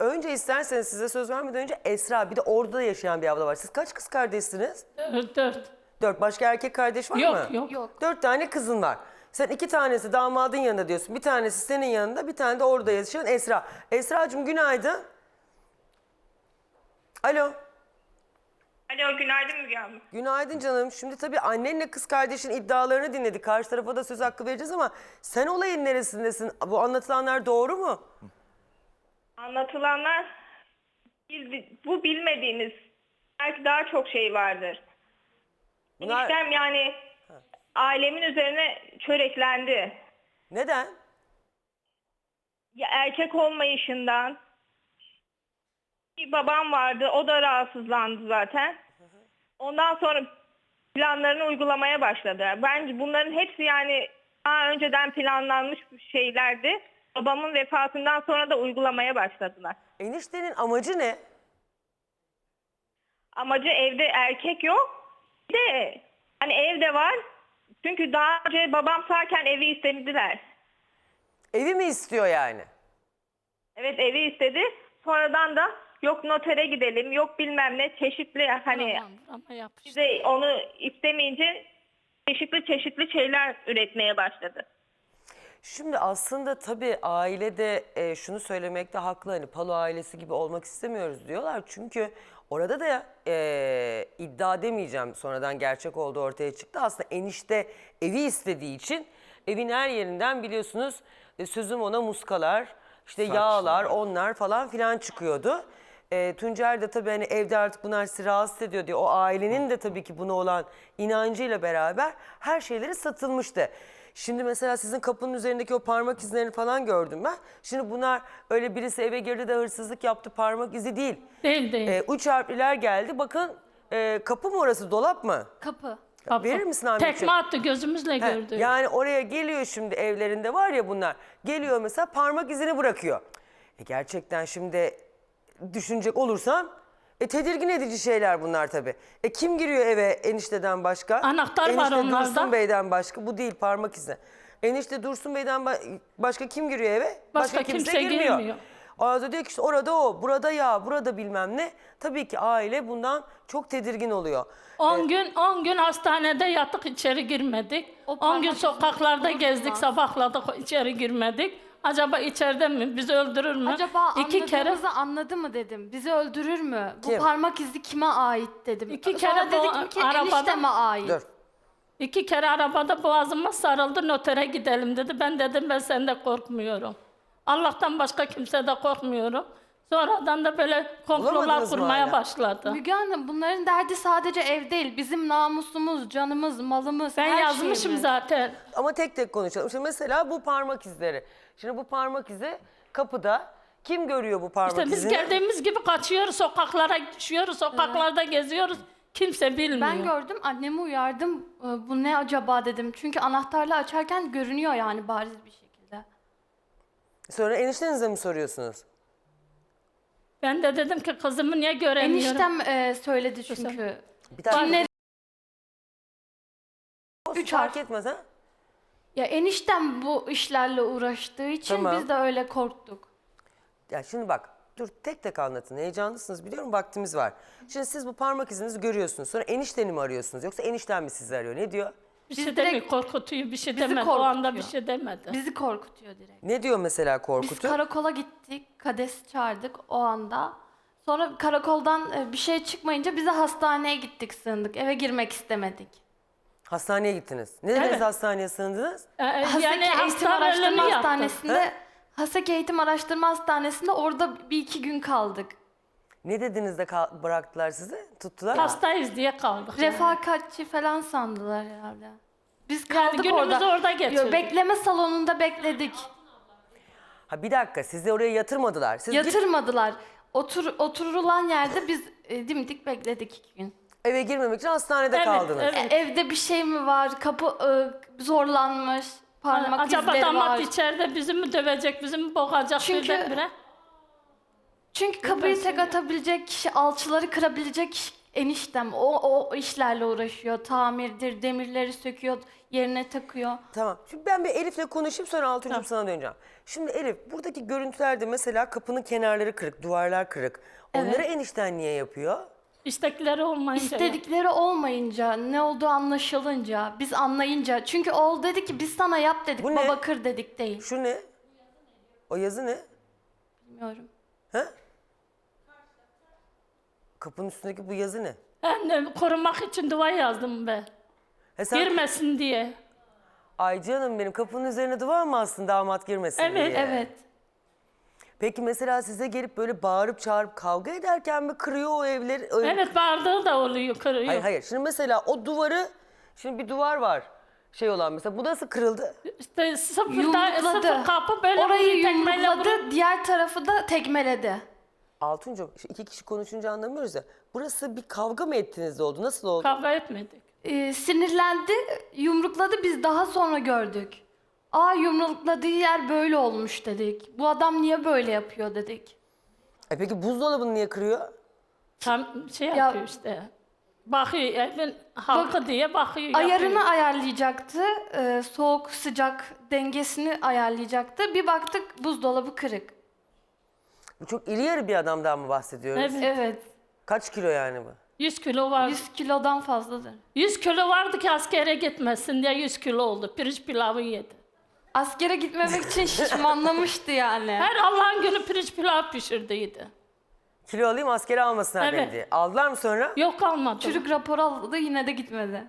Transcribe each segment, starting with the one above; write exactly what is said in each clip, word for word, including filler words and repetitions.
önce isterseniz size söz vermeden önce Esra, bir de orada da yaşayan bir abla var. Siz kaç kız kardeşsiniz? Dört. dört. Dört. Başka erkek kardeş var Yok, mı? yok. Yok. Dört tane kızın var. Sen iki tanesi damadın yanında diyorsun. Bir tanesi senin yanında, bir tane de orada yaşayan Esra. Esra'cığım günaydın. Alo. Alo, günaydın Müge Hanım. Günaydın canım. Şimdi tabii annenle kız kardeşin iddialarını dinledik. Karşı tarafa da söz hakkı vereceğiz ama sen olayın neresindesin? Bu anlatılanlar doğru mu? Anlatılanlar, bil- bu bilmediğiniz belki daha çok şey vardır. Bunlar- Eniştem yani ailemin üzerine çöreklendi. Neden? Ya erkek olmayışından. Bir babam vardı, o da rahatsızlandı zaten. Ondan sonra planlarını uygulamaya başladı. Bence bunların hepsi yani daha önceden planlanmış şeylerdi. Babamın vefatından sonra da uygulamaya başladılar. Eniştenin amacı ne? Amacı evde erkek yok. Bir de hani evde var. Çünkü daha önce babam sağken evi istediler. Evi mi istiyor yani? Evet, evi istedi. Sonradan da yok notere gidelim, yok bilmem ne çeşitli hani Tamam, ama yapıştı. bize onu istemeyince çeşitli çeşitli şeyler üretmeye başladı. Şimdi aslında tabii ailede e, şunu söylemekte haklı. Hani Palo ailesi gibi olmak istemiyoruz diyorlar. Çünkü orada da e, iddia demeyeceğim, sonradan gerçek olduğu ortaya çıktı. Aslında enişte evi istediği için evin her yerinden biliyorsunuz e, sözüm ona muskalar, işte yağlar, onlar falan filan çıkıyordu. E, Tuncer de tabii hani evde artık bunlar sizi rahatsız ediyor diye o ailenin de tabii ki buna olan inancıyla beraber her şeyleri satılmıştı. Şimdi mesela sizin kapının üzerindeki o parmak izlerini falan gördüm ben. Şimdi bunlar öyle birisi eve girdi de hırsızlık yaptı parmak izi değil. Değil değil. E, üç harfliler geldi. Bakın e, kapı mı orası, dolap mı? Kapı. Kapı. verir misin Ahmetciğim? Tekme attı, gözümüzle He, gördük. yani oraya geliyor, şimdi evlerinde var ya bunlar. Geliyor mesela parmak izini bırakıyor. E gerçekten şimdi düşünecek olursam e, tedirgin edici şeyler bunlar tabii. E kim giriyor eve enişteden başka? Anahtar var Enişte onlarda. Dursun Bey'den başka. Bu değil, parmak izi. Enişte Dursun Bey'den ba- başka kim giriyor eve? Başka kimse girmiyor. Ağzı diyor ki işte orada o, burada ya, burada bilmem ne. Tabii ki aile bundan çok tedirgin oluyor. on gün on gün hastanede yattık, içeri girmedik. O on gün parmak sokaklarda izi gezdik, bulunmaz. sabahladık, içeri girmedik. Acaba içeride mi? Bizi öldürür mü? Acaba İki kere anladığımızı anladı mı dedim. Bizi öldürür mü? Kim? Bu parmak izi kime ait dedim. İki Sonra kere bu dedik ki arabada- enişteme ait. Dur. iki kere arabada boğazıma sarıldı, notere gidelim dedi. Ben dedim ben senden korkmuyorum. Allah'tan başka kimse de korkmuyorum. Sonradan da böyle komplolar Bulamadınız mı kurmaya hala? başladı. Müge Hanım, bunların derdi sadece ev değil. Bizim namusumuz, canımız, malımız, Ben her yazmışım şeyimiz. zaten. Ama tek tek konuşalım. Şimdi mesela bu parmak izleri. Şimdi bu parmak izi kapıda. Kim görüyor bu parmak İşte biz izini? geldiğimiz gibi kaçıyoruz, sokaklara düşüyoruz, sokaklarda geziyoruz. Kimse bilmiyor. Ben gördüm, annemi uyardım. Ee, Bu ne acaba dedim. Çünkü anahtarla açarken görünüyor yani bariz bir şekilde. Sonra eniştenize mi soruyorsunuz? Ben de dedim ki kızımı niye göremiyorum? Eniştem e, söyledi çünkü. Bir tane Cinleri olsun, üç fark harf. etmez ha. Ya eniştem bu işlerle uğraştığı için Tamam. biz de öyle korktuk. Ya şimdi bak, dur tek tek anlatın. Heyecanlısınız biliyorum, vaktimiz var. Şimdi siz bu parmak izinizi görüyorsunuz. Sonra enişteni mi arıyorsunuz yoksa enişten mi sizi arıyor? Ne diyor? Bir Biz şey direkt- demiyor, korkutuyor, bir şey bizi demedi. O anda bir korkutuyor. şey demedi. Bizi korkutuyor direkt. Ne diyor mesela Biz korkutuyor? karakola gittik, Kades çağırdık o anda. Sonra karakoldan e, bir şey çıkmayınca bize hastaneye gittik, sığındık. Eve girmek istemedik. Hastaneye gittiniz. Ne dediniz, Evet. hastaneye sığındınız? Ee, Haseki yani Eğitim hasta Araştırma ölümü yaptı. Hastanesi'nde Haseki Eğitim Araştırma Hastanesi'nde orada bir iki gün kaldık. Ne dediniz de kal- bıraktılar sizi? Tuttular. Hastayız diye kaldık. yani. Refakatçi falan sandılar herhalde. Biz Yani kaldık günümüzü orada. orada geçirdik. Yo, bekleme salonunda bekledik. Ha bir dakika, sizi oraya yatırmadılar. Siz git- Yatırmadılar. Otur, oturulan yerde biz e, dimdik bekledik iki gün. eve girmemek için hastanede Evet, kaldınız. evet. E, evde bir şey mi var? Kapı e, zorlanmış. Parmak Acaba izleri damat var. içeride bizi mi dövecek, bizi mi boğacak Çünkü- birdenbire? Çünkü kapıyı tek atabilecek kişi, alçıları kırabilecek kişi eniştem. O, o işlerle uğraşıyor. Tamirdir, demirleri söküyor. yerine takıyor. Tamam. Şimdi ben bir Elif'le konuşayım sonra Altuncum sana döneceğim. Şimdi Elif buradaki görüntülerde mesela kapının kenarları kırık, duvarlar kırık. Onları enişten niye yapıyor? İstekleri olmayınca. İstedikleri olmayınca, ne olduğu anlaşılınca, biz anlayınca. Çünkü oğul dedi ki biz sana yap dedik, Bu ne? baba kır dedik değil. Şu ne? O yazı ne? Bilmiyorum. He? Kapının üstündeki bu yazı ne? Ben korumak için dua yazdım be. He sen, Girmesin diye. ay canım benim kapının üzerine duvar mı astın damat girmesin Evet, diye? Evet. Peki mesela size gelip böyle bağırıp çağırıp kavga ederken mi kırıyor o evleri? o ev- Evet, bağırdığı da oluyor, kırıyor. Hayır hayır. Şimdi mesela o duvarı, şimdi bir duvar var. Şey olan mesela bu nasıl kırıldı? İşte sıfırda, Yumrukladı. sıfır kapı böyle Orayı vuruyor, tekmeyle yumrukladı, vuruyor. diğer tarafı da tekmeledi. Altuncum şu iki kişi konuşunca anlamıyoruz ya. Burası bir kavga mı ettiniz de oldu? Nasıl oldu? Kavga etmedik. Ee, sinirlendi, yumrukladı, biz daha sonra gördük. Aa, yumrukladığı yer böyle olmuş dedik. Bu adam niye böyle yapıyor dedik. E peki buzdolabını niye kırıyor? Tam şey yapıyor işte. Bakıyor evin halkı diye bakıyor. Ayarını yapıyor. ayarlayacaktı, e, soğuk sıcak dengesini ayarlayacaktı. Bir baktık buzdolabı kırık. Bu çok iri yarı bir adamdan mı bahsediyoruz? Evet. Evet, Kaç kilo yani bu? yüz kilo var. yüz kilodan fazladır. yüz kilo vardı ki askere gitmesin diye yüz kilo oldu. Pirinç pilavı yedi. Askere gitmemek için şişmanlamıştı yani. Her Allah'ın günü pirinç pilav pişirdiydi. Kilo alayım askere almasınlar Evet. beni diye. Aldılar mı sonra? Yok kalmadı. Çürük rapor aldı, yine de gitmedi.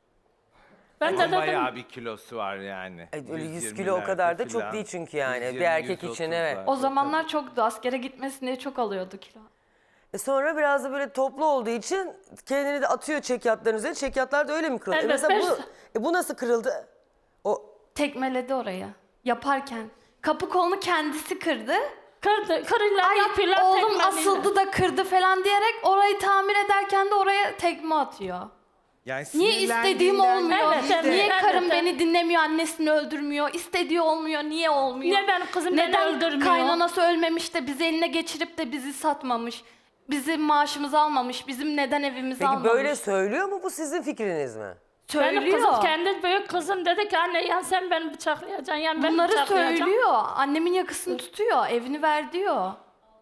Ben de Ama dedim bayağı bir kilosu var yani. E, öyle yüz yüz kilo o kadar da yirmilerde çok filan. değil çünkü yani. yüz Bir yirmi, erkek yüz için, otuz evet. var. O zamanlar çoktu, askere gitmesin diye çok alıyordu kilo. E sonra biraz da böyle toplu olduğu için kendini de atıyor çekyatların üzerine. Çekyatlar da öyle mi kırılıyor? E Evet, mesela bu, beş- e bu nasıl kırıldı? O Tekmeledi orayı yaparken. Kapı kolunu kendisi kırdı. kırdı, kırıyla Ay yapıyorlar oğlum tekmeliyle. asıldı da kırdı falan diyerek orayı tamir ederken de oraya tekme atıyor. Yani Niye istediğim sinirlendiğinden olmuyor? Evet, değil de- evet. Niye karım evet. beni dinlemiyor, annesini öldürmüyor? İstediği olmuyor, niye olmuyor? Niye benim kızım beni Neden öldürmüyor? kaynanası ölmemiş de bizi eline geçirip de bizi satmamış? Bizim maaşımızı almamış, bizim neden evimizi peki almamış? böyle söylüyor mu, bu sizin fikriniz mi? Benim söylüyor. kızım, kendi büyük kızım dedi ki anne ya sen beni bıçaklayacaksın ya ben Bunları bıçaklayacağım. söylüyor. Annemin yakasını tutuyor, evini ver diyor.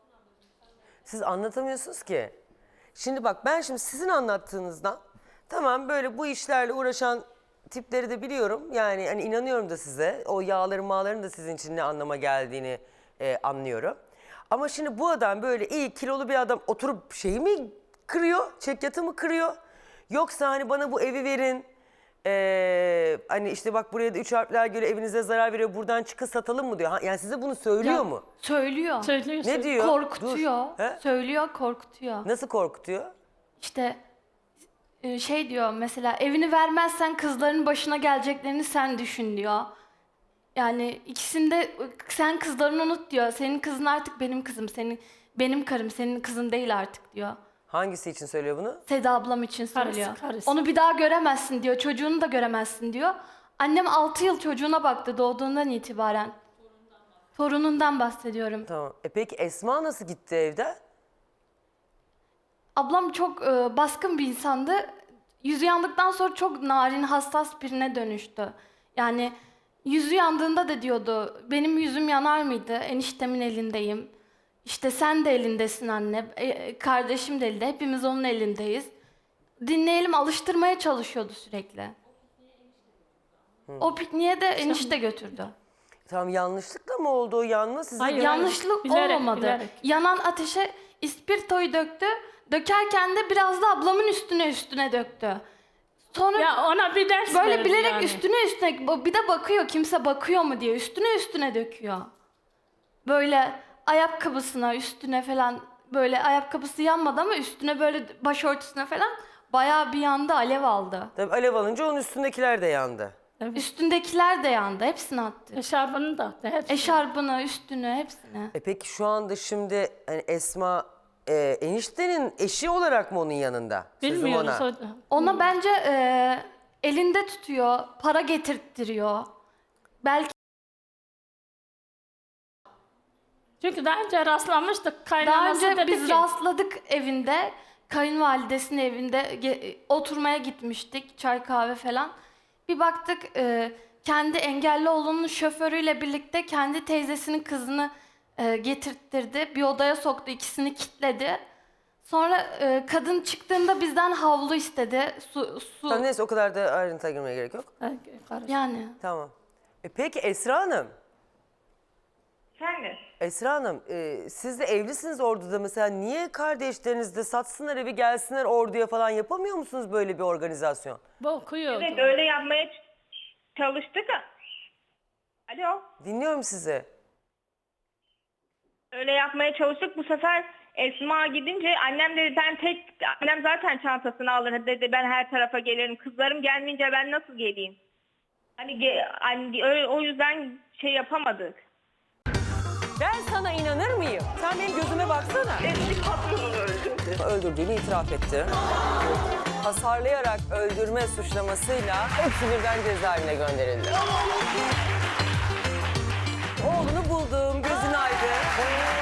Siz anlatamıyorsunuz ki. Şimdi bak ben şimdi sizin anlattığınızdan tamam böyle bu işlerle uğraşan tipleri de biliyorum. Yani hani inanıyorum da size. O yağların mağların da sizin için ne anlama geldiğini e, anlıyorum. Ama şimdi bu adam böyle iyi kilolu bir adam oturup şeyi mi kırıyor? Çekyatı mı kırıyor? Yoksa hani bana bu evi verin. e, hani işte bak buraya da üç harfler göre evinize zarar veriyor. Buradan çıkın satalım mı diyor. Ha, yani size bunu söylüyor Ya, mu? Söylüyor. Söylüyor. Ne diyor? Korkutuyor. Dur. He? Söylüyor, korkutuyor. Nasıl korkutuyor? İşte e, şey diyor mesela, evini vermezsen kızların başına geleceklerini sen düşün diyor. Yani ikisinde sen kızlarını unut diyor. Senin kızın artık benim kızım. Senin benim karım, senin kızın değil artık diyor. Hangisi için söylüyor bunu? Seda ablam için Karısı, söylüyor. karısı. Onu bir daha göremezsin diyor. Çocuğunu da göremezsin diyor. Annem altı yıl çocuğuna baktı doğduğundan itibaren. Torunundan bahsediyorum. Tamam. E peki Esma nasıl gitti evde? Ablam çok e, baskın bir insandı. Yüzü yandıktan sonra çok narin, hassas birine dönüştü. Yani yüzü yandığında da diyordu, benim yüzüm yanar mıydı? Eniştemin elindeyim. İşte sen de elindesin anne, e, kardeşim de elinde, hepimiz onun elindeyiz. Dinleyelim, alıştırmaya çalışıyordu sürekli. O pikniğe de enişte götürdü. Tamam, yanlışlıkla mı oldu o yanma? Size Hayır, göre- Yanlışlık bilerek, olmadı. bilerek. Yanan ateşe ispirtoyu döktü. Dökerken de biraz da ablamın üstüne üstüne döktü. Sonra Ya ona bir ders böyle verdi bilerek yani. üstüne üstüne, bir de bakıyor kimse bakıyor mu diye üstüne üstüne döküyor. Böyle ayakkabısına üstüne falan, böyle ayakkabısı yanmadı ama üstüne böyle başörtüsüne falan bayağı bir yandı, alev aldı. Tabii alev alınca onun üstündekiler de yandı. Üstündekiler de yandı, hepsini attı. Eşarbını da attı. Hepsi. Eşarbını, üstünü, hepsini. E peki şu anda şimdi hani Esma e, eniştenin eşi olarak mı onun yanında? Sözüm Bilmiyoruz. ona. o- Ona bence e, elinde tutuyor, para getirttiriyor. Belki Çünkü daha önce rastlamıştık. daha Kaynanası önce dedi biz ki, rastladık evinde, kayınvalidesinin evinde ge- oturmaya gitmiştik, çay kahve falan. Bir baktık e, kendi engelli oğlunun şoförüyle birlikte kendi teyzesinin kızını e, getirttirdi. Bir odaya soktu, ikisini kilitledi. Sonra e, kadın çıktığında bizden havlu istedi. Su, su. Tamam, neyse o kadar da ayrıntıya girmeye gerek yok. Karış- Yani Tamam. E peki Esra Hanım, Efendim? Esra Hanım e, siz de evlisiniz orduda mesela. Niye kardeşleriniz de satsınlar evi gelsinler orduya falan, yapamıyor musunuz böyle bir organizasyon? Bu okuyordu. Evet, öyle yapmaya ç- çalıştık. Alo. Dinliyorum sizi. Öyle yapmaya çalıştık. Bu sefer Esma gidince annem dedi ben tek, annem zaten çantasını alır dedi, ben her tarafa gelirim. Kızlarım gelmeyince ben nasıl geleyim? Hani ge- hani öyle, o yüzden şey yapamadık. Ben sana inanır mıyım? Sen benim gözüme baksana. Eski patronunu öldürdü. Öldürdüğünü itiraf etti. Hasarlayarak öldürme suçlamasıyla hepsi birden cezaevine gönderildi. Oğlunu buldum, gözün aydın.